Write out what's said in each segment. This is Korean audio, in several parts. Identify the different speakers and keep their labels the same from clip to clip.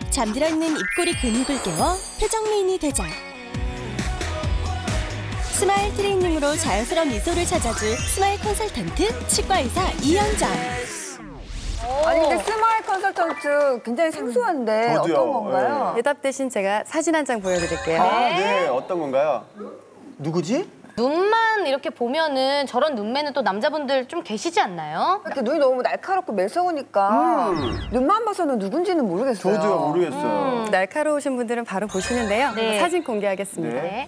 Speaker 1: 잠들어 있는 입꼬리 근육을 깨워 표정 미인이 되자. 스마일 트레이닝으로 자연스러운 미소를 찾아줄 스마일 컨설턴트 치과의사 이현정.
Speaker 2: 아니 근데 스마일 컨설턴트 굉장히 생소한데
Speaker 3: 저도요.
Speaker 2: 어떤 건가요?
Speaker 4: 대답 대신 제가 사진 한 장 보여드릴게요.
Speaker 3: 네, 어떤 건가요? 누구지?
Speaker 5: 눈만 이렇게 보면은 저런 눈매는 또 남자분들 좀 계시지 않나요?
Speaker 2: 이렇게 눈이 너무 날카롭고 매서우니까 눈만 봐서는 누군지는 모르겠어요.
Speaker 3: 저도요, 모르겠어요.
Speaker 4: 날카로우신 분들은 바로 보시는데요.
Speaker 5: 네.
Speaker 4: 사진 공개하겠습니다.
Speaker 5: 네.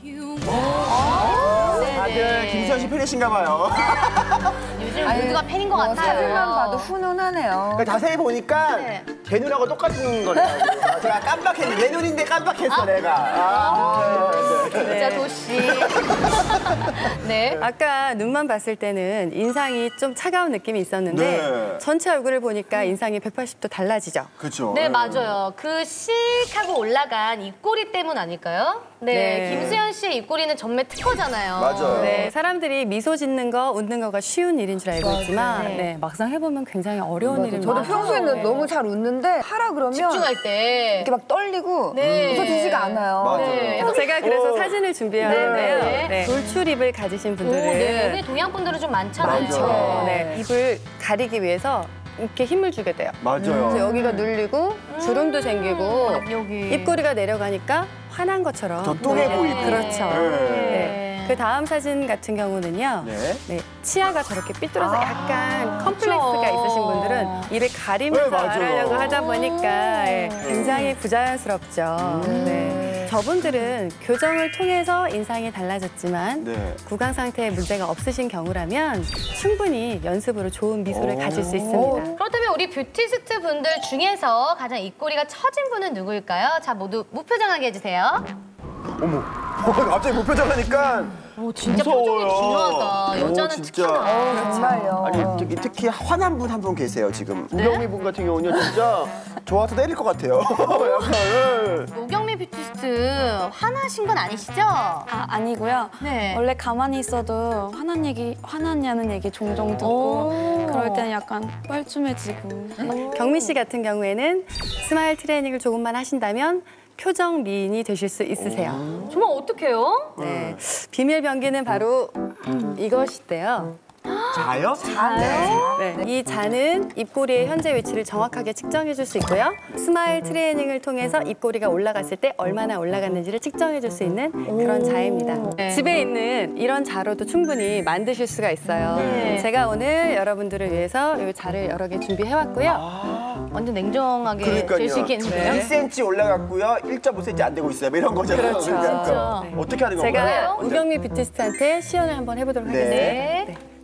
Speaker 3: 다들 김수현 씨 팬이신가 봐요.
Speaker 5: 요즘 모두가 팬인 것 같아요.
Speaker 2: 사진만 봐도 훈훈하네요.
Speaker 3: 자세히 보니까
Speaker 5: 네.
Speaker 3: 제 눈하고 똑같은 거네요. 제가 깜빡했는데, 내 눈인데 깜빡했어, 내가.
Speaker 5: 진짜 도시. 네.
Speaker 4: 아까 눈만 봤을 때는 인상이 좀 차가운 느낌이 있었는데
Speaker 3: 네.
Speaker 4: 전체 얼굴을 보니까 인상이 180도 달라지죠.
Speaker 3: 그렇죠.
Speaker 5: 네, 맞아요. 그 씩 하고 올라간 입꼬리 때문 아닐까요? 네.
Speaker 4: 네.
Speaker 5: 김수현 씨의 입꼬리는 전매 특허잖아요.
Speaker 3: 맞아요.
Speaker 4: 네, 사람들이 미소 짓는 거, 웃는 거가 쉬운 일인 줄 알고 있지만
Speaker 5: 네.
Speaker 4: 네, 막상 해보면 굉장히 어려운 일입니다.
Speaker 2: 저도 평소에는
Speaker 5: 네.
Speaker 2: 너무 잘 웃는데 하라 그러면
Speaker 5: 집중할 때.
Speaker 2: 이렇게 막 떨리고
Speaker 5: 네.
Speaker 2: 웃어지지가 않아요.
Speaker 3: 맞아요.
Speaker 5: 네.
Speaker 4: 제가 그래서 사진을 준비하는데요.
Speaker 5: 네.
Speaker 4: 네. 돌출입을 가지신
Speaker 5: 오,
Speaker 4: 분들을
Speaker 5: 네. 근데 동양 분들은 좀 많잖아요.
Speaker 3: 맞아요.
Speaker 4: 네, 입을 가리기 위해서 이렇게 힘을 주게 돼요. 그래서
Speaker 3: 맞아요.
Speaker 4: 여기가 눌리고 주름도 생기고
Speaker 5: 여기.
Speaker 4: 입꼬리가 내려가니까 화난 것처럼
Speaker 3: 더 뚱해 보이고.
Speaker 4: 그렇죠.
Speaker 3: 네.
Speaker 4: 네. 그 다음 사진 같은 경우는요.
Speaker 3: 네.
Speaker 4: 네, 치아가 저렇게 삐뚤어서 약간 컴플렉스가
Speaker 5: 그렇죠.
Speaker 4: 있으신 분들은 입을 가리면서
Speaker 3: 네, 맞아요.
Speaker 4: 말하려고 하다 보니까 굉장히 부자연스럽죠. 네. 저분들은 교정을 통해서 인상이 달라졌지만
Speaker 3: 네.
Speaker 4: 구강 상태에 문제가 없으신 경우라면 충분히 연습으로 좋은 미소를 가질 수 있습니다.
Speaker 5: 그렇다면 우리 뷰티스트 분들 중에서 가장 입꼬리가 처진 분은 누구일까요? 자, 모두 무표정하게 해주세요.
Speaker 3: 어머, 갑자기 무표정하니까
Speaker 5: 오, 진짜
Speaker 3: 무서워요.
Speaker 5: 표정이 중요하다. 여자는
Speaker 3: 진짜.
Speaker 5: 특히나.
Speaker 2: 정말요.
Speaker 3: 아니, 특히 화난 분 한 분 계세요, 지금. 우경미 분 같은 경우는 진짜 좋아서 때릴 것 같아요. 약간.
Speaker 5: 오경미 뷰티스트 화나신 건 아니시죠?
Speaker 6: 아니고요.
Speaker 5: 네.
Speaker 6: 원래 가만히 있어도 화났냐는 얘기 종종 듣고 그럴 때는 약간 뻘쭘해지고.
Speaker 4: 경미 씨 같은 경우에는 스마일 트레이닝을 조금만 하신다면 표정 미인이 되실 수 있으세요.
Speaker 5: 정말 어떡해요?
Speaker 4: 네. 비밀 병기는 바로 이것인데요.
Speaker 3: 자요?
Speaker 4: 네. 이 자는 입꼬리의 현재 위치를 정확하게 측정해 줄 수 있고요. 스마일 트레이닝을 통해서 입꼬리가 올라갔을 때 얼마나 올라갔는지를 측정해 줄 수 있는 그런 자입니다.
Speaker 5: 네.
Speaker 4: 집에 있는 이런 자로도 충분히 만드실 수가 있어요.
Speaker 5: 네.
Speaker 4: 제가 오늘 여러분들을 위해서 이 자를 여러 개 준비해 왔고요.
Speaker 5: 완전 냉정하게
Speaker 3: 그러니까요.
Speaker 5: 될 수 있겠는데요?
Speaker 3: 1cm 올라갔고요. 1.5cm 안 되고 있어요. 뭐 이런 거잖아요.
Speaker 4: 그렇죠.
Speaker 3: 그러니까.
Speaker 4: 네.
Speaker 3: 어떻게 하는 건가요?
Speaker 4: 제가 우경미 뷰티스트한테 시연을 한번 해보도록
Speaker 3: 네.
Speaker 4: 하겠습니다.
Speaker 5: 네.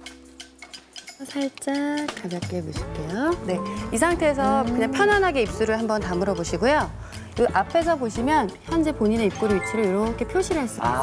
Speaker 4: 살짝 가볍게 무실게요. 네, 이 상태에서 그냥 편안하게 입술을 한번 다물어 보시고요. 이 앞에서 보시면 현재 본인의 입꼬리 위치를 이렇게 표시를 할 수가 있어요.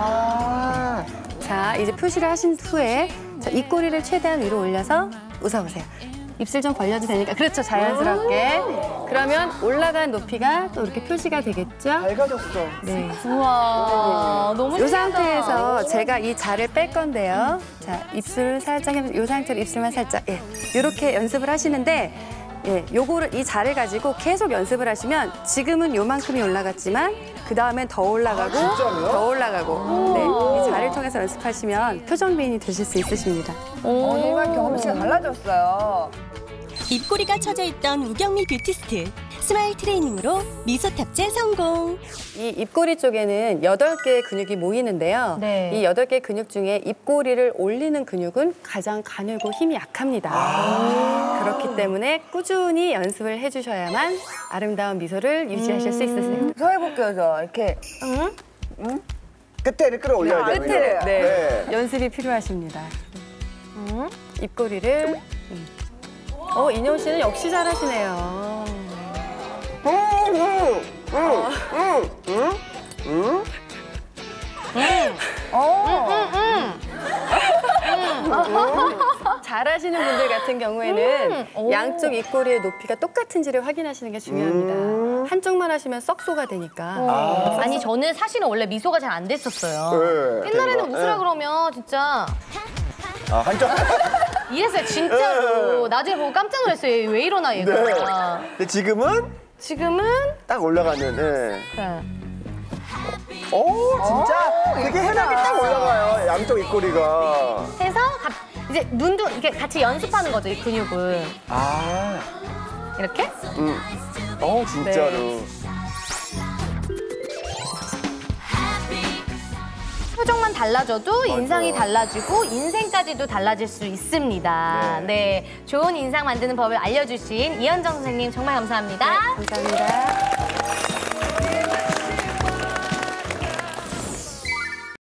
Speaker 3: 아.
Speaker 4: 자, 이제 표시를 하신 후에 자, 입꼬리를 최대한 위로 올려서 웃어보세요. 입술 좀 벌려도 되니까 그렇죠, 자연스럽게. 그러면 올라간 높이가 또 이렇게 표시가 되겠죠?
Speaker 3: 밝아졌어.
Speaker 4: 네.
Speaker 5: 우와, 너무
Speaker 4: 이
Speaker 5: 신기하다.
Speaker 4: 상태에서 제가 이 자를 뺄 건데요. 자, 입술을 살짝 해보세요. 이 상태로 입술만 살짝. 예. 이렇게 연습을 하시는데, 예, 요거를 이 자를 가지고 계속 연습을 하시면 지금은 요만큼이 올라갔지만 그 다음엔 더 올라가고 더 올라가고. 네, 이 자를 통해서 연습하시면 표정 미인이 되실 수 있으십니다.
Speaker 2: 정말 경험 씨가 달라졌어요.
Speaker 1: 입꼬리가 처져 있던 우경미 뷰티스트. 스마일 트레이닝으로 미소 탑재 성공.
Speaker 4: 이 입꼬리 쪽에는 8개의 근육이 모이는데요.
Speaker 5: 네.
Speaker 4: 이 8개의 근육 중에 입꼬리를 올리는 근육은 가장 가늘고 힘이 약합니다. 그렇기 때문에 꾸준히 연습을 해주셔야만 아름다운 미소를 유지하실 수 있으세요.
Speaker 2: 저 해볼게요, 저. 이렇게.
Speaker 3: 끝에를 끌어올려야 돼요.
Speaker 2: 끝에를.
Speaker 4: 네. 연습이 필요하십니다. 입꼬리를. 인영 씨는 역시 잘하시네요. 잘하시는 분들 같은 경우에는 양쪽 입꼬리의 높이가 똑같은지를 확인하시는 게 중요합니다. 한쪽만 하시면 썩소가 되니까.
Speaker 5: 아니, 저는 사실은 원래 미소가 잘 안 됐었어요.
Speaker 3: 네,
Speaker 5: 옛날에는
Speaker 3: 대박.
Speaker 5: 웃으라
Speaker 3: 네.
Speaker 5: 그러면 진짜
Speaker 3: 아, 한쪽.
Speaker 5: 이랬어요, 진짜로. 나중에 보고 깜짝 놀랐어요. 얘 왜 이러나, 얘가.
Speaker 3: 네. 근데 지금은
Speaker 5: 지금은
Speaker 3: 딱 올라가는. 네.
Speaker 5: 네.
Speaker 3: 오, 진짜 되게 해맑게 딱 올라가요. 양쪽 입꼬리가.
Speaker 5: 해서 이제 눈도 이렇게 같이 연습하는 거죠, 이 근육을.
Speaker 3: 아,
Speaker 5: 이렇게.
Speaker 3: 진짜로.
Speaker 5: 네. 표정만 달라져도 인상이 달라지고 인생까지도 달라질 수 있습니다. 네. 좋은 인상 만드는 법을 알려주신 이현정 선생님 정말 감사합니다.
Speaker 4: 감사합니다.